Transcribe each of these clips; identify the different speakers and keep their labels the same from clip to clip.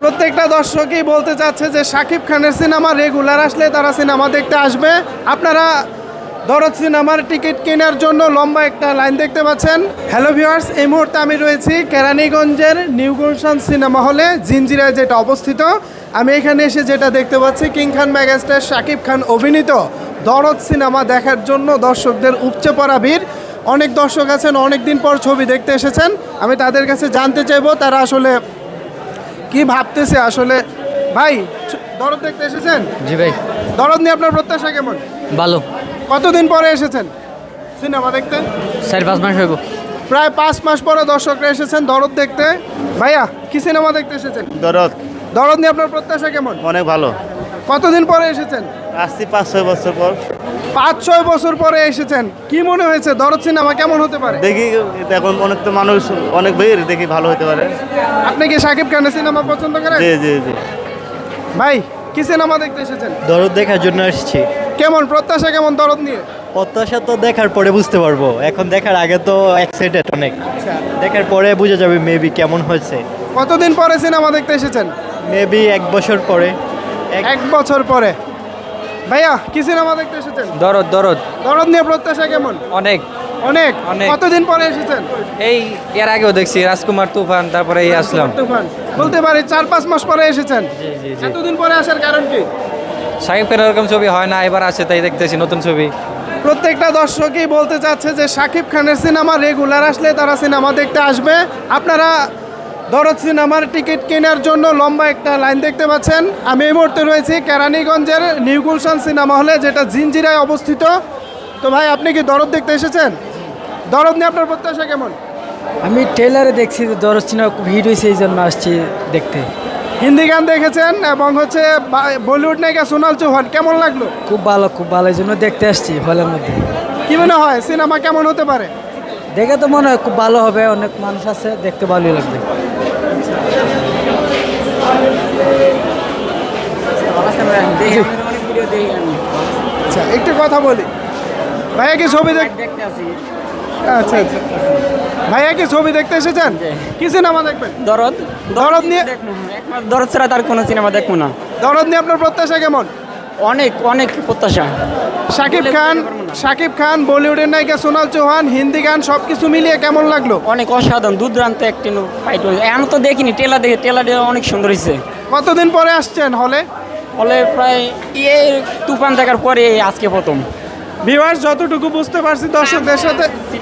Speaker 1: প্রত্যেকটা দর্শকই বলতে চাচ্ছে যে শাকিব খানের সিনেমা রেগুলার আসলে তারা সিনেমা দেখতে আসবে। আপনারা দরদ সিনেমার টিকিট কেনার জন্য লম্বা একটা লাইন দেখতে পাচ্ছেন। হ্যালো ভিউয়ার্স, এই মুহূর্তে আমি রয়েছি কেরানীগঞ্জের নিউ গুলশান সিনেমা হলে, জিঞ্জিরায় যেটা অবস্থিত। আমি এখানে এসে যেটা দেখতে পাচ্ছি, কিং খান মেগাস্টার শাকিব খান অভিনীত দরদ সিনেমা দেখার জন্য দর্শকদের উপচে পড়া ভিড়। অনেক দর্শক আছেন, অনেক দিন পর ছবি দেখতে এসেছেন। আমি তাদের কাছে জানতে চাইবো তারা আসলে কি ভাবতেছে। আসলে ভাই, দরদ দেখতে এসেছেন?
Speaker 2: জি ভাই।
Speaker 1: দরদ নিয়ে আপনার প্রত্যাশা কেমন?
Speaker 2: ভালো।
Speaker 1: কতদিন পরে এসেছেন সিনেমা দেখতে?
Speaker 2: 4-5 মাস হইব।
Speaker 1: প্রায় 5 মাস পরে দর্শকরা এসেছেন দরদ দেখতে। ভাইয়া, কি সিনেমা দেখতে এসেছেন?
Speaker 3: দরদ।
Speaker 1: দরদ নিয়ে আপনার প্রত্যাশা কেমন?
Speaker 3: অনেক ভালো।
Speaker 1: কতদিন পরে এসেছেন?
Speaker 3: আসছি 5-6 বছর পর।
Speaker 1: 5-6 বছর পরে এসেছেন। কি মনে হয়েছে দরদ সিনেমা কেমন হতে পারে?
Speaker 3: দেখি এখন অনেক তো মানুষ অনেক ভিড়, দেখি ভালো হতে পারে।
Speaker 1: আপনি কি শাকিব খানের সিনেমা পছন্দ করেন?
Speaker 3: জি জি জি।
Speaker 1: ভাই, কি সিনেমা দেখতে এসেছেন?
Speaker 4: দরদ দেখার জন্য আসছি।
Speaker 1: কেমন প্রত্যাশা কেমন দরদ নিয়ে?
Speaker 4: প্রত্যাশা তো দেখার পরে বুঝতে পারবো, এখন দেখার আগে তো এক্সাইটেড অনেক। দেখার পরে বোঝা যাবে মেবি কেমন হয়েছে।
Speaker 1: কতদিন পরে সিনেমা দেখতে এসেছেন?
Speaker 4: মেবি 1 বছর পরে।
Speaker 1: 1 বছর পরে। ভাইয়া, কি সিনেমা দেখতে এসেছেন?
Speaker 2: দরদ দরদ
Speaker 1: দরদ নিয়ে প্রত্যাশা কেমন?
Speaker 2: অনেক
Speaker 1: অনেক।
Speaker 2: অনেক।
Speaker 1: কতদিন পরে এসেছেন?
Speaker 2: এই এর আগেও দেখছি রাজকুমার তুফান, তারপরে এই আসলাম।
Speaker 1: তুফান বলতে পারি 4-5 মাস পরে এসেছেন।
Speaker 2: জি জি জি।
Speaker 1: এতদিন পরে আসার কারণ কি?
Speaker 2: শাকিব খানের এরকম ছবি হয় না, এবার আছে তাই দেখতেছি নতুন ছবি।
Speaker 1: প্রত্যেকটা দর্শকই বলতে চাচ্ছে যে শাকিব খানের সিনেমা রেগুলার আসলে তারা সিনেমা দেখতে আসবে। আপনারা দরদ সিনেমার টিকিট কেনার জন্য লম্বা একটা লাইন দেখতে পাচ্ছেন। আমি এই মুহূর্তে রয়েছি কেরানীগঞ্জের নিউ গুলশান সিনেমা হলে, যেটা জিঞ্জিরায় অবস্থিত। তো ভাই, আপনি কি দরদ দেখতে এসেছেন? দরদ নিয়ে আপনার প্রত্যাশা কেমন?
Speaker 5: আমি ট্রেলারে দেখছি যে দরজ সিনেমা খুব হিট হয়েছে, এই জন্য আসছি দেখতে।
Speaker 1: হিন্দি গান দেখেছেন এবং হচ্ছে বলিউড নায়িকা সোনাল চৌহান, কেমন লাগলো?
Speaker 5: খুব ভালো, এই জন্য দেখতে আসছি হলের মধ্যে।
Speaker 1: কি মনে হয় সিনেমা কেমন হতে পারে?
Speaker 5: দেখে তো মনে হয় খুব ভালো হবে, অনেক মানুষ আছে, দেখতে ভালোই লাগবে।
Speaker 1: আচ্ছা, একটু কথা বলি। ভাইয়া কি ছবি দেখতে আচ্ছা আচ্ছা ভাইয়া কি ছবি দেখতে এসেছেন? কি সিনেমা দেখবেন?
Speaker 6: দরদ।
Speaker 1: দরদ নিয়ে
Speaker 6: দরদ ছাড়া তার কোনো সিনেমা দেখবো না।
Speaker 1: দরদ নিয়ে আপনার প্রত্যাশা কেমন?
Speaker 6: অনেক অনেক প্রত্যাশা।
Speaker 1: শাকিব খান, বলিউডের নায়িকা সোনাল চৌহান, হিন্দি গান সবকিছু মিলিয়ে কেমন লাগলো?
Speaker 6: অনেক অসাধারণ, দুর্দান্ত একটি ফাইট হয়েছে। এখন তো দেখিনি, টেলার দেখে, টেলার অনেক সুন্দর হয়েছে।
Speaker 1: কতদিন পরে আসছেন হলে?
Speaker 6: ফলে প্রায় তুফান দেখার পরে আজকে প্রথম।
Speaker 1: ভিউয়ার্স, যতটুকু বুঝতে পারছি দর্শকদের সাথে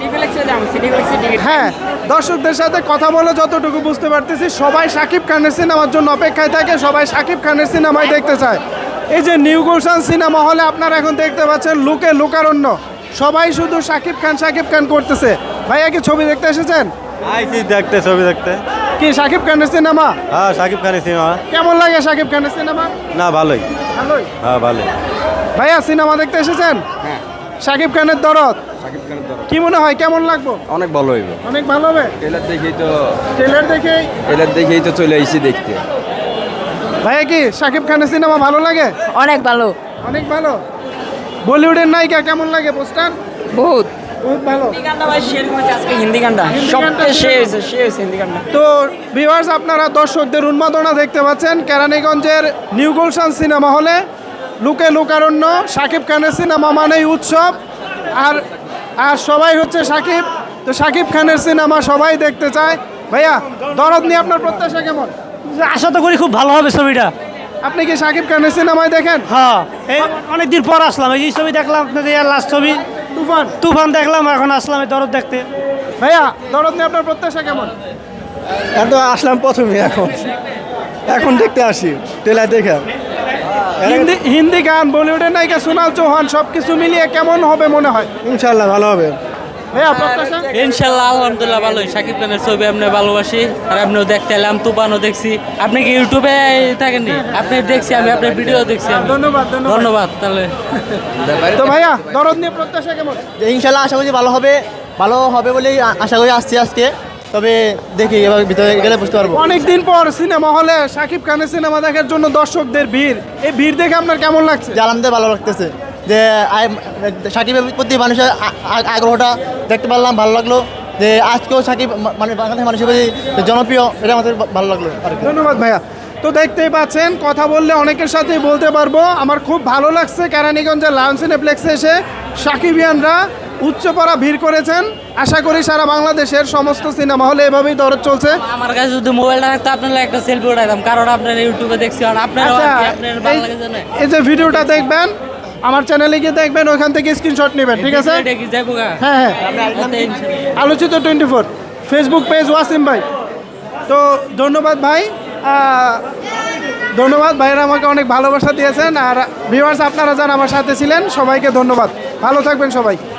Speaker 1: হ্যাঁ দর্শকদের সাথে কথা বলে যতটুকু বুঝতে পারতেছি, সবাই শাকিব খানের সিনেমার জন্য অপেক্ষায় থাকে, সবাই শাকিব খানের সিনেমাই দেখতে চায়। এই যে নিউ গুলশান সিনেমা হলে আপনারা এখন দেখতে পাচ্ছেন লোকে লোকারণ্য, সবাই শুধু শাকিব খান করতেছে। ভাইয়া কি ছবি দেখতে এসেছেন?
Speaker 3: আইছি দেখতে, ছবি দেখতে।
Speaker 1: কি শাকিব খানের সিনেমা?
Speaker 3: হ্যাঁ, শাকিব খানের সিনেমা।
Speaker 1: কেমন লাগে শাকিব খানের সিনেমা?
Speaker 3: না, ভালোই।
Speaker 1: ভালোই।
Speaker 3: হ্যাঁ, ভালোই।
Speaker 1: ভাইয়া, সিনেমা দেখতে এসেছেন?
Speaker 7: হ্যাঁ।
Speaker 1: শাকিব খানের দরদ কি মনে হয় কেমন লাগবো?
Speaker 7: অনেক ভালো হইব।
Speaker 1: অনেক ভালো হবে।
Speaker 7: ট্রেলার
Speaker 1: ট্রেলার দেখেই
Speaker 7: তো চলে আইছি দেখতে।
Speaker 1: ভাইয়া, কি শাকিব খানের সিনেমা ভালো লাগে?
Speaker 8: অনেক ভালো।
Speaker 1: অনেক ভালো। বলিউডের নায়িকা কেমন লাগে পোস্টার?
Speaker 8: বহুত
Speaker 1: ভালো।
Speaker 6: হিন্দি গানটা সবচেয়ে শেষ হিন্দি গানটা।
Speaker 1: তো ভিউয়ার্স, আপনারা দর্শকদের উন্মাদনা দেখতে পাচ্ছেন কেরানীগঞ্জের নিউ গুলশান সিনেমা হলে। লোকে লোকারণ্য, শাকিব খানের সিনেমা মানেই উৎসব। আর আর সবাই হচ্ছে শাকিব, তো শাকিব খানের সিনেমা সবাই দেখতে চায়। ভাইয়া, দরদ নিয়ে আপনার প্রত্যাশা কেমন?
Speaker 5: আশা তো করি খুব ভালো হবে ছবিটা।
Speaker 1: আপনি কি শাকিব খানের সিনেমায় দেখেন?
Speaker 5: হ্যাঁ, এই অনেকদিন পর আসলাম, এই ছবি দেখলাম আপনাদের লাস্ট ছবি তুফান দেখলাম, এখন আসলাম এই দরদ দেখতে।
Speaker 1: ভাইয়া, দরদ নিয়ে আপনার প্রত্যাশা কেমন?
Speaker 4: তো আসলাম প্রথমে, এখন দেখতে আসি ট্রেলার দেখে।
Speaker 1: হিন্দি গান, বলিউডের নায়িকা সোনাল চৌহান সবকিছু মিলিয়ে কেমন হবে মনে হয়?
Speaker 4: ইনশাল্লাহ ভালো হবে।
Speaker 1: ভাইয়া, প্রত্যাশা?
Speaker 9: ইনশাল্লাহ আলহামদুলিল্লাহ ভালোই। শাকিব খানের ছবি আপনি ভালোবাসি, আর আপনিও দেখতে এলাম, তুফানও দেখছি। আপনি কি ইউটিউবে থাকেননি? আপনি দেখছি, আমি আপনার ভিডিও দেখছি।
Speaker 1: ধন্যবাদ।
Speaker 9: ধন্যবাদ। তাহলে
Speaker 1: তো ভাইয়া, দরদ নিয়ে প্রত্যাশা কেমন?
Speaker 4: ইনশাল্লাহ আশা করি ভালো হবে বলেই আশা করি আসছি আজকে। তবে দেখি এবার ভিতরে গেলে বুঝতে পারবো।
Speaker 1: অনেকদিন পর সিনেমা হলে শাকিব খানের সিনেমা দেখার জন্য দর্শকদের ভিড়, এই ভিড় দেখে আপনার কেমন লাগছে?
Speaker 4: যে আলহামদুলিল্লাহ ভালো লাগতেছে, যে সাকিবের প্রতি মানুষের আগ্রহটা দেখতে পারলাম, ভালো লাগলো। যে আজকেও সাকিব মানে বাংলাদেশের মানুষের প্রতি জনপ্রিয়, এটা আমাদের ভালো লাগলো।
Speaker 1: ধন্যবাদ ভাইয়া। তো তো দেখতেই পাচ্ছেন, কথা বললে অনেকের সাথেই বলতে পারবো। আমার খুব ভালো লাগছে কেরানীগঞ্জের লায়ন সিনেপ্লেক্সে এসে সাকিবিয়ানরা উচ্চপাড়া ভিড় করেছেন। আশা করি সারা বাংলাদেশের সমস্ত সিনেমা হলে এভাবেই দরদ চলছে।
Speaker 9: আমার কাছে যদি মোবাইলটা থাকতো আপনার একটা সেলফি উঠাইতাম, কারণ আপনার ইউটিউবে দেখছি আর আপনার
Speaker 1: আচ্ছা,
Speaker 9: আপনার ভালো লাগে জানে
Speaker 1: এই যে ভিডিওটা দেখবেন, আমার চ্যানেলে গিয়ে দেখবেন, ওইখান থেকে স্ক্রিনশট নেবেন, ঠিক আছে?
Speaker 9: এটা কি যাইবো গা?
Speaker 1: হ্যাঁ হ্যাঁ, আলোচিত 24 ফেসবুক পেজ ওয়াসিম ভাই। তো ধন্যবাদ ভাই, ধন্যবাদ ভাইয়েরা আমাকে অনেক ভালোবাসা দিয়েছেন। আর ভিউয়ার্স আপনারা যারা আমার সাথে ছিলেন সবাইকে ধন্যবাদ, ভালো থাকবেন সবাই।